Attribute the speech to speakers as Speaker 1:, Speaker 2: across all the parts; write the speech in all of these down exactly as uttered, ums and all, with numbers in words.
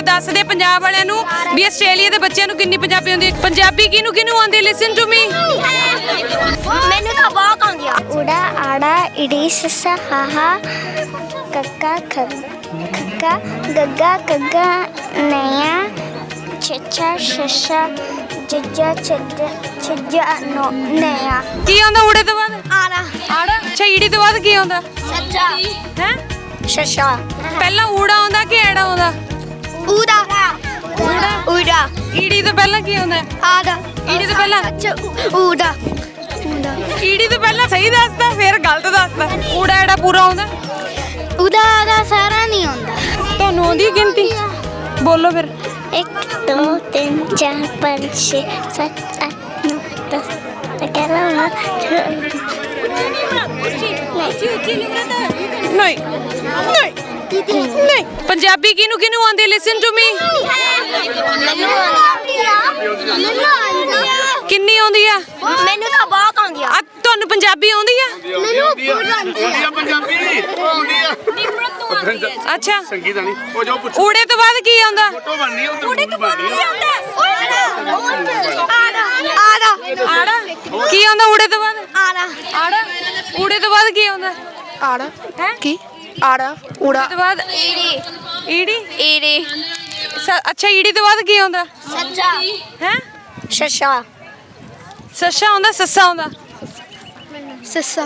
Speaker 1: ਆਪਾਂ ਦੱਸਦੇ ਪੰਜਾਬ ਵਾਲਿਆਂ ਨੂੰ ਵੀ ਆਸਟ੍ਰੇਲੀਆ ਦੇ ਬੱਚਿਆਂ ਨੂੰ ਕਿੰਨੀ ਪੰਜਾਬੀ ਆਉਂਦੀ ਹੈ। ਪੰਜਾਬੀ ਕਿਹਨੂੰ ਕਿਹਨੂੰ ਆਉਂਦੀ? Listen to me.
Speaker 2: ਮੈਨੂੰ ਤਾਂ ਬਹੁਤ ਆਉਂਦੀ ਆ। ਉੜਾ ਆੜਾ ਇੜੀ ਸੱਸਾ ਹਾਹਾ ਕੱਕਾ ਖੱਕਾ ਗੱਗਾ ਗੱਗਾ ਨਇਆ ਛੱਛਾ ਛੱਛਾ ਜੱਜਾ ਛੱਜਾ ਛੱਜਾ ਨੋ ਨਇਆ।
Speaker 1: ਕੀ ਆਉਂਦਾ ਊੜੇ ਤੋਂ ਬਾਅਦ?
Speaker 2: ਆੜਾ
Speaker 1: ਆੜਾ। ਅੱਛਾ ਈੜੀ ਤੋਂ ਬਾਅਦ ਕੀ ਆਉਂਦਾ?
Speaker 2: ਛੱਛਾ
Speaker 1: ਹੈ
Speaker 2: ਛੱਛਾ।
Speaker 1: ਪਹਿਲਾਂ ਊੜਾ ਆਉਂਦਾ ਕਿ ਐੜਾ ਆਉਂਦਾ?
Speaker 2: ਉੜਾ ਉੜਾ।
Speaker 1: ਈੜੀ ਤੋਂ ਪਹਿਲਾਂ ਕੀ ਆਉਂਦਾ?
Speaker 2: ਆੜਾ।
Speaker 1: ਈੜੀ ਤੋਂ ਪਹਿਲਾਂ
Speaker 2: ਉੜਾ ਉੜਾ।
Speaker 1: ਈੜੀ ਤੋਂ ਪਹਿਲਾਂ ਸਹੀ ਦੱਸਦਾ ਫਿਰ ਗਲਤ ਦੱਸਦਾ। ਊੜਾ ਐੜਾ ਪੂਰਾ ਆਉਂਦਾ?
Speaker 2: ਉੜਾ ਆੜਾ ਸਾਰਾ ਨਹੀਂ ਆਉਂਦਾ।
Speaker 1: ਤੁਹਾਨੂੰ ਆਉਂਦੀ ਹੈ ਗਿਣਤੀ? ਬੋਲੋ ਫਿਰ।
Speaker 2: ਇੱਕ ਦੋ ਤਿੰਨ ਚਾਰ ਪੰਜ ਛੇ ਸੱਤ ਅੱਠ ਨੌ ਦਸ ਗਿਆਰਾਂ ਬਾਰਾਂ
Speaker 1: ਨਹੀਂ ਨਹੀਂ ਨਹੀਂ। ਪੰਜਾਬੀ ਕਿਹਨੂੰ ਕਿਹਨੂੰ ਆਉਂਦੀ? Listen to me. ਕਿੰਨੀ ਆਉਂਦੀ ਆ?
Speaker 2: ਮੈਨੂੰ ਤਾਂ ਬਹੁਤ ਆਉਂਦੀ ਆ।
Speaker 1: ਆ ਤੁਹਾਨੂੰ ਪੰਜਾਬੀ ਆਉਂਦੀ ਆ? ਅੱਛਾ
Speaker 3: ਸੰਗੀਤ ਨਹੀਂ ਉਹ ਜੋ ਪੁੱਛ
Speaker 1: ਊੜੇ ਤੋਂ ਬਾਅਦ ਕੀ ਆਉਂਦਾ?
Speaker 3: ਫੋਟੋ ਬਣਨੀ ਉਹ ਊੜੇ ਤੋਂ ਬਾਅਦ
Speaker 2: ਆੜਾ
Speaker 1: ਆੜਾ। ਕੀ ਆਉਂਦਾ ਊੜੇ ਤੋਂ ਬਾਅਦ?
Speaker 2: ਆੜਾ
Speaker 1: ਆੜਾ। ਊੜੇ ਤੋਂ ਬਾਅਦ ਕੀ ਆਉਂਦਾ?
Speaker 4: ਆੜਾ
Speaker 1: ਹੈ
Speaker 4: ਕੀ ਆੜਾ ਊੜਾ
Speaker 1: ਤੋਂ ਬਾਅਦ
Speaker 2: ਈੜੀ
Speaker 1: ਈੜੀ।
Speaker 2: ਈੜੀ
Speaker 1: ਸ- ਅੱਛਾ ਈੜੀ ਤੋਂ ਬਾਅਦ ਕੀ ਆਉਂਦਾ?
Speaker 2: ਸੱਚਾ
Speaker 1: ਹੈ
Speaker 2: ਛੱਛਾ
Speaker 1: ਸੱਸਾ ਆਉਂਦਾ? ਸੱਸਾ ਆਉਂਦਾ?
Speaker 4: ਸੱਸਾ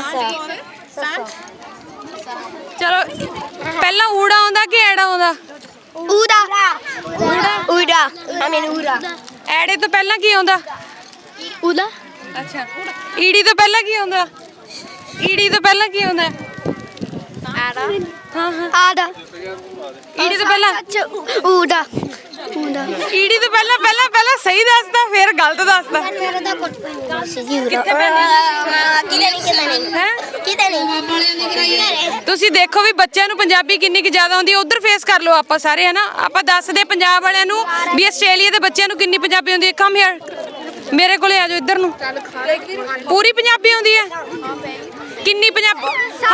Speaker 1: ਚਲੋ ਪਹਿਲਾਂ ਊੜਾ ਆਉਂਦਾ ਕਿ ਐੜਾ ਆਉਂਦਾ?
Speaker 2: ਊੜਾ ਊੜਾ ਆ ਮੈਨੂੰ ਊੜਾ।
Speaker 1: ਐੜੇ ਤੋਂ ਪਹਿਲਾਂ ਕੀ ਆਉਂਦਾ?
Speaker 4: ਊੜਾ
Speaker 1: ਅੱਛਾ ਈੜੀ ਤੋਂ ਪਹਿਲਾਂ ਕੀ ਆਉਂਦਾ? ਈੜੀ ਤੋਂ ਪਹਿਲਾਂ ਕੀ ਆਉਂਦਾ?
Speaker 2: ਆੜਾ
Speaker 1: ਹਾਂ ਹਾਂ
Speaker 2: ਆੜਾ।
Speaker 1: ਈੜੀ ਤੋਂ ਪਹਿਲਾਂ
Speaker 2: ਊੜਾ ਊੜਾ।
Speaker 1: ਈੜੀ ਤੋਂ ਪਹਿਲਾਂ ਪਹਿਲਾਂ ਪਹਿਲਾਂ ਸਹੀ ਦੱਸਦਾ ਫਿਰ ਗਲਤ ਦੱਸਦਾ।
Speaker 2: ਮੇਰਾ ਤਾਂ ਕੁੱਟ ਕਿਤੇ
Speaker 1: ਕਿੱਥੇ ਪੈਂਦੀ?
Speaker 2: ਨਹੀਂ ਕਿਤੇ ਨਹੀਂ
Speaker 1: ਹੈ
Speaker 2: ਕਿਤੇ ਨਹੀਂ।
Speaker 1: ਤੁਸੀਂ ਦੇਖੋ ਵੀ ਬੱਚਿਆਂ ਨੂੰ ਪੰਜਾਬੀ ਕਿੰਨੀ ਕੁ ਜ਼ਿਆਦਾ ਆਉਂਦੀ ਹੈ। ਉਧਰ ਫੇਸ ਕਰ ਲਓ ਆਪਾਂ ਸਾਰੇ, ਹਨਾ। ਆਪਾਂ ਦੱਸਦੇ ਪੰਜਾਬ ਵਾਲਿਆਂ ਨੂੰ ਵੀ ਆਸਟ੍ਰੇਲੀਆ ਦੇ ਬੱਚਿਆਂ ਨੂੰ ਕਿੰਨੀ ਪੰਜਾਬੀ ਆਉਂਦੀ ਹੈ। ਕਮ ਹੇਅਰ ਮੇਰੇ ਕੋਲੇ ਆ ਜਾਓ ਇੱਧਰ ਨੂੰ। ਪੂਰੀ ਪੰਜਾਬੀ ਆਉਂਦੀ ਹੈ? ਕਿੰਨੀ ਪੰਜਾਬੀ?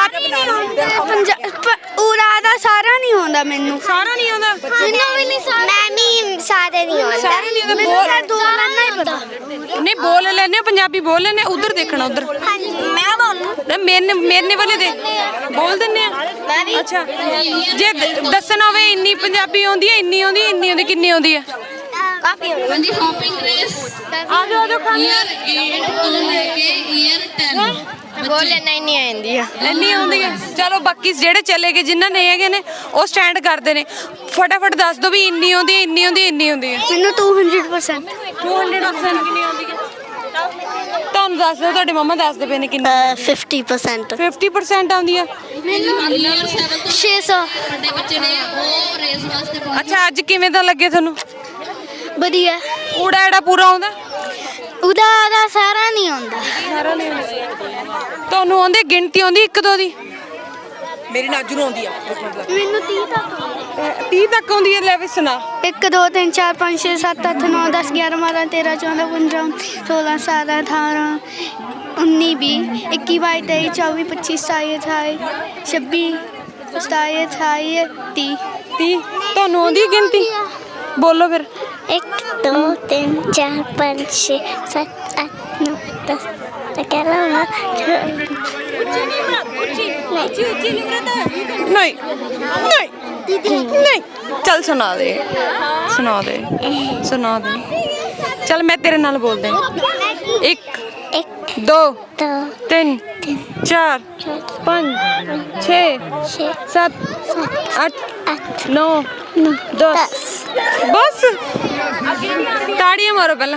Speaker 2: ਊੜਾ ਦਾ ਸਾਰਾ ਨਹੀਂ ਆਉਂਦਾ ਮੈਨੂੰ।
Speaker 1: ਸਾਰਾ ਨਹੀਂ ਆਉਂਦਾ?
Speaker 2: ਮੈਨੂੰ ਵੀ ਨਹੀਂ ਸਾਰਾ। ਮੈਂ ਵੀ ਸਾਰੇ ਨਹੀਂ ਆਉਂਦਾ।
Speaker 1: ਸਾਰੇ ਨਹੀਂ ਆਉਂਦਾ।
Speaker 2: ਮੈਨੂੰ ਤਾਂ ਦੋ ਲੈਣਾ ਹੀ ਪਤਾ।
Speaker 1: ਨਹੀਂ ਬੋਲ ਲੈਨੇ ਹੋ, ਪੰਜਾਬੀ ਬੋਲ ਲੈਨੇ। ਉਧਰ ਦੇਖਣਾ ਉਧਰ।
Speaker 2: ਮੈਂ ਬੋਲੂ।
Speaker 1: ਮੇਰਨੇ ਮੇਰਨੇ ਵਾਲੇ ਦੇ ਬੋਲ ਦਿੰਨੇ ਆ। ਅੱਛਾ ਜੇ ਦ- ਦੱਸਣਾ ਹੋਵੇ ਇੰਨੀ ਪੰਜਾਬੀ ਆਉਂਦੀ ਹੈ, ਇੰਨੀ ਆਉਂਦੀ ਹੈ, ਇੰਨੀ ਆਉਂਦੀ, ਕਿੰਨੀ ਆਉਂਦੀ ਹੈ?
Speaker 2: ਕਾਫੀ ਆਉਂਦਾ।
Speaker 5: ਦੀ ਹੌਪਿੰਗ ਰੇਸ
Speaker 1: ਆ ਜਾਓ ਆ ਜਾਓ ਖਾਣੇ।
Speaker 5: ਈਅਰ eight ਤੋਂ ਲੈ ਕੇ ਈਅਰ ten
Speaker 2: ਬੋਲ ਲੈਣਾ ਹੀ ਨਹੀਂ ਆਉਂਦੀ ਆ।
Speaker 1: ਇੰਨੀ ਆਉਂਦੀ ਹੈ? ਚਲੋ ਬਾਕੀ ਜਿਹੜੇ ਚਲੇ ਗਏ ਜਿਨ੍ਹਾਂ ਨਹੀਂ ਹੈਗੇ ਨੇ ਉਹ ਸਟੈਂਡ ਕਰਦੇ ਨੇ। ਫਟਾਫਟ ਦੱਸ ਦਿਓ ਵੀ ਇੰਨੀ ਆਉਂਦੀ ਹੈ, ਇੰਨੀ ਆਉਂਦੀ ਹੈ, ਇੰਨੀ ਆਉਂਦੀ ਹੈ।
Speaker 2: ਮੈਨੂੰ ਦੋ ਸੌ ਪਰਸੈਂਟ
Speaker 1: ਦੋ ਸੌ ਪਰਸੈਂਟ ਕਿੰਨੀ ਆਉਂਦੀ ਹੈ? ਤੁਹਾਨੂੰ ਦੱਸ ਦਿਓ, ਤੁਹਾਡੇ ਮੰਮਾ ਦੱਸਦੇ ਪਏ ਨੇ ਕਿੰਨੀ।
Speaker 2: ਫਿਫਟੀ ਪਰਸੈਂਟ
Speaker 1: ਫਿਫਟੀ ਪਰਸੈਂਟ ਆਉਂਦੀ ਆ?
Speaker 5: ਈਅਰ seven ਤੋਂ
Speaker 2: ਛੇ ਸੌ।
Speaker 5: ਵੱਡੇ ਬੱਚੇ ਨੇ ਉਹ ਰੇਸ ਵਾਸਤੇ ਪਹੁੰਚ
Speaker 1: ਅੱਛਾ ਅੱਜ ਕਿਵੇਂ ਦਾ ਲੱਗੇ ਤੁਹਾਨੂੰ?
Speaker 2: ਵਧੀਆ।
Speaker 1: ਊੜਾ ਐੜਾ ਪੂਰਾ ਆਉਂਦਾ?
Speaker 2: ਉਹਦਾ ਦਾ ਸਾਰਾ ਨਹੀਂ ਆਉਂਦਾ।
Speaker 1: ਸਾਰਾ ਨਹੀਂ ਆਉਂਦਾ। ਤੁਹਾਨੂੰ ਆਉਂਦੀ ਗਿਣਤੀ ਆਉਂਦੀ ਇੱਕ ਦੋ ਦੀ?
Speaker 4: ਮੇਰੀ ਨਾਜੂ ਨੂੰ ਆਉਂਦੀ ਆ।
Speaker 2: ਮੈਨੂੰ ਤੀਹ ਤੱਕ।
Speaker 1: ਤੀਹ ਤੱਕ ਆਉਂਦੀ ਹੈ? ਲੈ ਵੀ ਸੁਣਾ।
Speaker 2: ਇੱਕ ਦੋ ਤਿੰਨ ਚਾਰ ਪੰਜ ਛੇ ਸੱਤ ਅੱਠ ਨੌ ਦਸ ਗਿਆਰਾਂ ਬਾਰਾਂ ਤੇਰਾਂ ਚੌਦਾਂ ਪੰਦਰਾਂ ਸੋਲਾਂ ਸਤਾਰਾਂ ਅਠਾਰਾਂ ਉੱਨੀ ਵੀਹ ਇੱਕੀ ਬਾਈ ਤੇਈ ਚੌਵੀ ਪੱਚੀ ਸਤਾਈ ਅਠਾਈ ਛੱਬੀ ਸਤਾਈ ਅਠਾਈ ਤੀਹ।
Speaker 1: ਤੀਹ ਤੁਹਾਨੂੰ ਆਉਂਦੀ ਗਿਣਤੀ? ਬੋਲੋ ਫਿਰ।
Speaker 2: ਇੱਕ ਦੋ ਤਿੰਨ ਚਾਰ ਪੰਜ ਛੇ ਸੱਤ ਅੱਠ ਨੌ ਦਸ ਗਿਆਰਾਂ ਬਾਰਾਂ
Speaker 1: ਨਹੀਂ ਨਹੀਂ ਨਹੀਂ। ਚੱਲ ਸੁਣਾ ਦੇ ਸੁਣਾ ਦੇ ਸੁਣਾ ਦੇ। ਚੱਲ ਮੈਂ ਤੇਰੇ ਨਾਲ ਬੋਲਦੇ। ਇੱਕ
Speaker 2: ਇੱਕ
Speaker 1: ਦੋ
Speaker 2: ਦੋ
Speaker 1: ਤਿੰਨ ਚਾਰ ਪੰਜ ਛੇ
Speaker 2: ਛੇ
Speaker 1: ਸੱਤ ਅੱਠ
Speaker 2: ਅੱਠ
Speaker 1: ਨੌ
Speaker 2: ਨੌ
Speaker 1: ਦਸ। ਬਸ ਤਾੜੀਆਂ ਮਾਰੋ ਪਹਿਲਾਂ।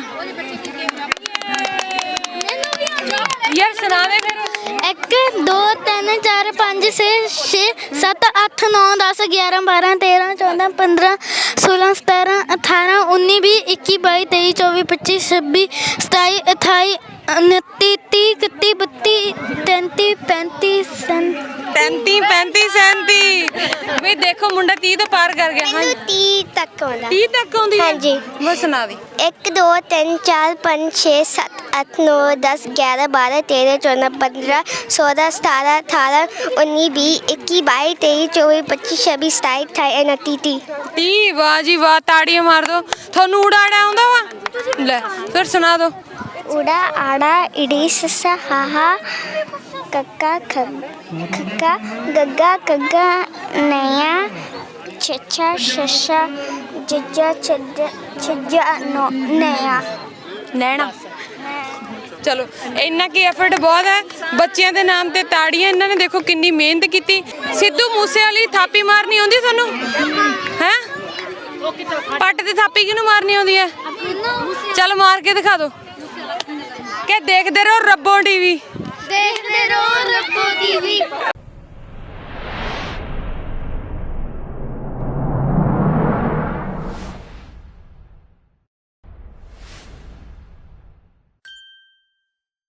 Speaker 1: ਯਾਰ ਸੁਣਾ ਦੇ ਫਿਰ।
Speaker 2: ਇੱਕ ਦੋ ਤਿੰਨ ਚਾਰ ਪੰਜ ਛੇ ਛੇ ਸੱਤ ਅੱਠ ਨੌ ਦਸ ਗਿਆਰਾਂ ਬਾਰਾਂ ਤੇਰਾਂ ਚੌਦਾਂ ਪੰਦਰਾਂ ਸੋਲਾਂ ਸਤਾਰਾਂ ਅਠਾਰਾਂ ਉੱਨੀ ਵੀਹ ਇੱਕੀ ਬਾਈ ਤੇਈ ਚੌਵੀ ਪੱਚੀ ਛੱਬੀ ਸਤਾਈ ਅਠਾਈ उनती तीस इकतीस बत्तीस तैंतीस पैंतीस
Speaker 1: ਤੈਂਤੀ ਪੈਂਤੀ ਸੈਂਤੀ ਵੀ ਦੇਖੋ ਮੁੰਡਾ ਤੀਹ ਤੋਂ ਪਾਰ ਕਰ ਗਿਆ। ਹਾਂ
Speaker 2: ਤੀਹ ਤੱਕ ਆਉਂਦਾ
Speaker 1: ਤੀਹ ਤੱਕ ਆਉਂਦੀ ਹੈ?
Speaker 2: ਹਾਂਜੀ।
Speaker 1: ਬਸ ਸੁਣਾ ਦੀ।
Speaker 2: ਇੱਕ ਦੋ ਤਿੰਨ ਚਾਰ ਪੰਜ ਛੇ ਸੱਤ ਅੱਠ ਨੌ ਦਸ ਗਿਆਰਾਂ ਬਾਰਾਂ ਤੇਰਾਂ ਚੌਦਾਂ ਪੰਦਰਾਂ ਸੋਲਾਂ ਸਤਾਰਾਂ ਅਠਾਰਾਂ ਉੱਨੀ ਵੀਹ ਇੱਕੀ ਬਾਈ ਤੇਈ ਚੌਵੀ ਪੱਚੀ ਛੱਬੀ ਸਤਾਈ ਅਠਾਈ ਉਨੱਤੀ ਤੀਹ।
Speaker 1: ਤੀਹ। ਵਾਹ ਜੀ ਵਾਹ, ਤਾੜੀਆਂ ਮਾਰ ਦੋ। ਤੁਹਾਨੂੰ ਊੜਾ-ਆੜਾ ਆਉਂਦਾ ਵਾ? ਲੈ ਫਿਰ ਸੁਣਾ ਦੋ।
Speaker 2: ਉੜਾ ਆੜਾ ਇੜੀ ਸੱਸਾ ਹਾਹਾ ਕੱਕਾ ਖੱਕਾ ਗੱਗਾ ਕੱਗਾ ਨਇਆ ਛੱਛਾ ਛੱਛਾ ਜੱਜਾ ਛੱਜਾ ਛੱਜਾ ਨੋ ਨਇਆ
Speaker 1: ਨੈਣਾ। ਚਲੋ ਇੰਨਾ ਕੀ ਐਫਰਟ ਬਹੁਤ ਹੈ। ਬੱਚਿਆਂ ਦੇ ਨਾਮ ਤੇ ਤਾੜੀਆਂ। ਇਹਨਾਂ ਨੇ ਦੇਖੋ ਕਿੰਨੀ ਮਿਹਨਤ ਕੀਤੀ। ਸਿੱਧੂ ਮੂਸੇ ਵਾਲੀ ਥਾਪੀ ਮਾਰਨੀ ਆਉਂਦੀ ਤੁਹਾਨੂੰ ਹੈ? ਪੱਟ ਤੇ ਥਾਪੀ ਕਿਹਨੂੰ ਮਾਰਨੀ ਆਉਂਦੀ ਹੈ? ਚੱਲ ਮਾਰ ਕੇ ਦਿਖਾ ਦਿਓ। ਕਿ ਦੇਖਦੇ ਰਹੋ ਰੱਬੋ ਟੀਵੀ।
Speaker 2: ਦੇਖਦੇ ਰਹੋ ਰੱਬੋ ਟੀਵੀ।